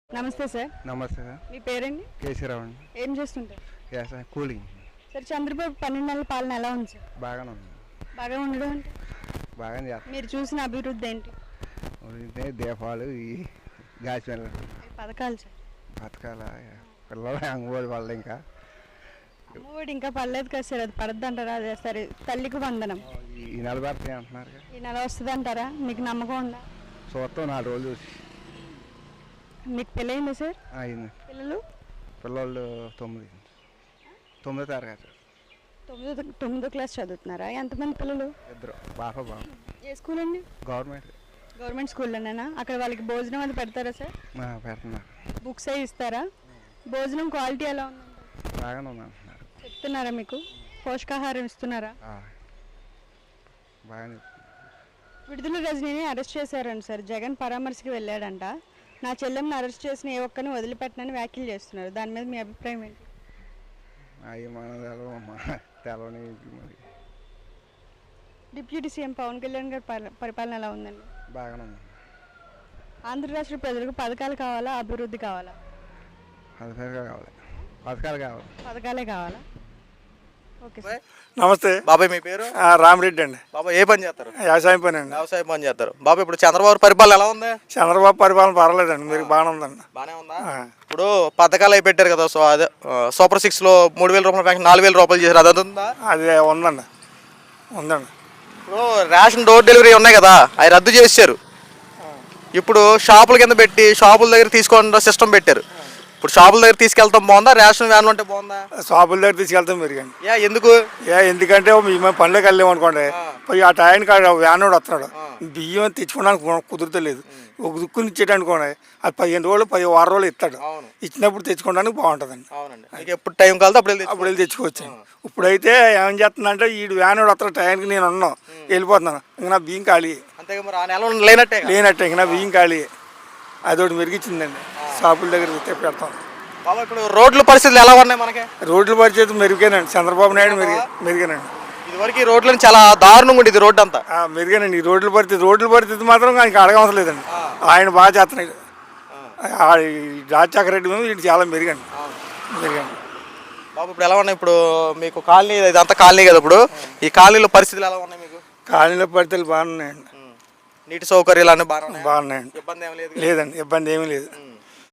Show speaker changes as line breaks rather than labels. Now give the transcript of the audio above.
నమస్తే సార్.
నమస్తే సార్.
మీ పేరండి?
కేసీరావు అండి.
ఏం చేస్తుంటారు?
Sir cooling.
సార్ చంద్రబాబు 12 నెలల పాలన ఎలా ఉంది సార్?
బాగానే ఉంది.
బాగా ఉండడం అంటే
బాగానే చేస్తాం.
మీరు చూసిన అభివృద్ధి ఏంటి?
దీపాలు ఈ గ్యాస్
పథకాలు సార్.
బతకాల పిల్లలు అంగోడి వాళ్ళు ఇంకా
అమ్మఒడి ఇంకా పడలేదు కదా సార్, అది పడద్దు అంటారా? అదే సరే, తల్లికి వందనం
ఈ నెల పడతాయి అంటున్నారు.
ఈ నెల వస్తుంది అంటారా? మీకు నమ్మకం ఉందా?
చూస్తాం 4 రోజులు చూసి.
మీకు పెళ్ళయిందా సార్?
అయింది.
పిల్లలు
9వ తరగతి.
9వ క్లాస్ చదువుతున్నారా? ఎంతమంది పిల్లలు?
2 బాబా.
ఏ స్కూల్ అండి? గవర్నమెంట్ స్కూల్లోనేనా? అక్కడ వాళ్ళకి భోజనం అది పెడతారా సార్?
పెడుతున్నారు.
బుక్స్ అవి ఇస్తారా? భోజనం క్వాలిటీ ఎలా ఉందండి?
బాగానే ఉంది అంటున్నారు.
చెప్తున్నారా? మీకు పోషకాహారం ఇస్తున్నారా?
బాగానే.
విడుదల రజనీని అరెస్ట్ చేశారండి సార్. జగన్ పరామర్శకి వెళ్ళాడంట. నా చెల్లెమ్మని అరెస్ట్ చేసిన ఏ ఒక్కరిని వదిలిపెట్టనని వ్యాఖ్యలు చేస్తున్నారు. దాని మీద మీ అభిప్రాయం ఏంటి?
అవి మన తెలవని.
డిప్యూటీ సీఎం పవన్ కళ్యాణ్ గారి పరిపాలన ఎలా ఉందండి?
బాగానే ఉంది.
ఆంధ్ర రాష్ట్ర ప్రజలకు పథకాలు కావాలా, అభివృద్ధి కావాలా? పథకాలే కావాలా? Okay sir.
నమస్తే
బాబాయ్, మీ పేరు?
రామిరెడ్డి అండి.
బాబాయ్ ఏ పని చేస్తారు?
వ్యవసాయం పని అండి.
వ్యవసాయ పని చేస్తారు. బాబాయ్ ఇప్పుడు చంద్రబాబు పరిపాలన ఎలా ఉంది?
చంద్రబాబు పరిపాలన పర్వాలేదండి, మీరు బాగానే ఉందండి.
బాగానే ఉందా? ఇప్పుడు పథకాలు అవి పెట్టారు కదా, సో అదే సూపర్ 6లో 3,000 రూపాయల బ్యాంక్ 4,000 రూపాయలు చేశారు, అది ఉందా?
అది ఉందండి.
ఇప్పుడు రేషన్ డోర్ డెలివరీ ఉన్నాయి కదా, అవి రద్దు చేశారు. ఇప్పుడు షాపుల కింద పెట్టి షాపుల దగ్గర తీసుకోవడం సిస్టమ్ పెట్టారు. ఇప్పుడు షాపుల దగ్గర తీసుకెళ్తాం బాగుందా, రేషన్ వ్యాన్లు ఉంటే బాగుందా?
షాపుల దగ్గర తీసుకెళ్తాం మెరుగండి.
ఎందుకు?
ఎందుకంటే మేము పనులకు వెళ్ళాము అనుకోండి, పోయి ఆ టైంకి వ్యాన్ వాడు వస్తున్నాడు, బియ్యం తెచ్చుకోవడానికి కుదురుతలేదు. ఒక దుక్కుని ఇచ్చేట అనుకోండి, అది 15 రోజులు 10 రోజులు ఇస్తాడు. ఇచ్చినప్పుడు తెచ్చుకోవడానికి బాగుంటుందండి.
ఎప్పుడు టైం కలితే
అప్పుడు వెళ్ళి తెచ్చుకోవచ్చు. ఇప్పుడైతే ఏం చేస్తుందంటే ఈ వ్యాన్ వాడు వస్తాడు టైంకి, నేను ఉన్నాను వెళ్ళిపోతున్నాను, ఇంక నా బియ్యం ఖాళీ లేనట్టే, ఇంక నా బియ్యం ఖాళీ. అదొకటి మెరిగించిందండి. షాపుల దగ్గర పెడతాం.
బాబా ఇప్పుడు రోడ్ల పరిస్థితులు ఎలా ఉన్నాయి? మనకి
రోడ్ల పరిస్థితి మెరుగేనండి. చంద్రబాబు నాయుడు మెరుగేనండి.
ఇదివరకు ఈ రోడ్లను చాలా దారుణంగా ఉండేది రోడ్డు అంతా.
మెరుగేనండి. ఈ రోడ్ల పరిస్థితి మాత్రం ఆయనకి అడగవసరం లేదండి. ఆయన బాగా చేస్తున్నాడు. రాజశేఖర రెడ్డి మీద వీడు చాలా మెరుగండి.
బాబు ఇప్పుడు ఎలా ఉన్నాయి? ఇప్పుడు మీకు కాలనీ, ఇదంతా కాలనీ కదా, ఇప్పుడు ఈ కాలనీలో పరిస్థితులు ఎలా ఉన్నాయి? మీకు
కాలనీలో పరిస్థితులు బాగున్నాయండి.
నీటి సౌకర్యాలు అన్నీ బాగున్నాయండి.
ఇబ్బంది ఏమీ లేదు. లేదండి, ఇబ్బంది ఏమీ లేదు.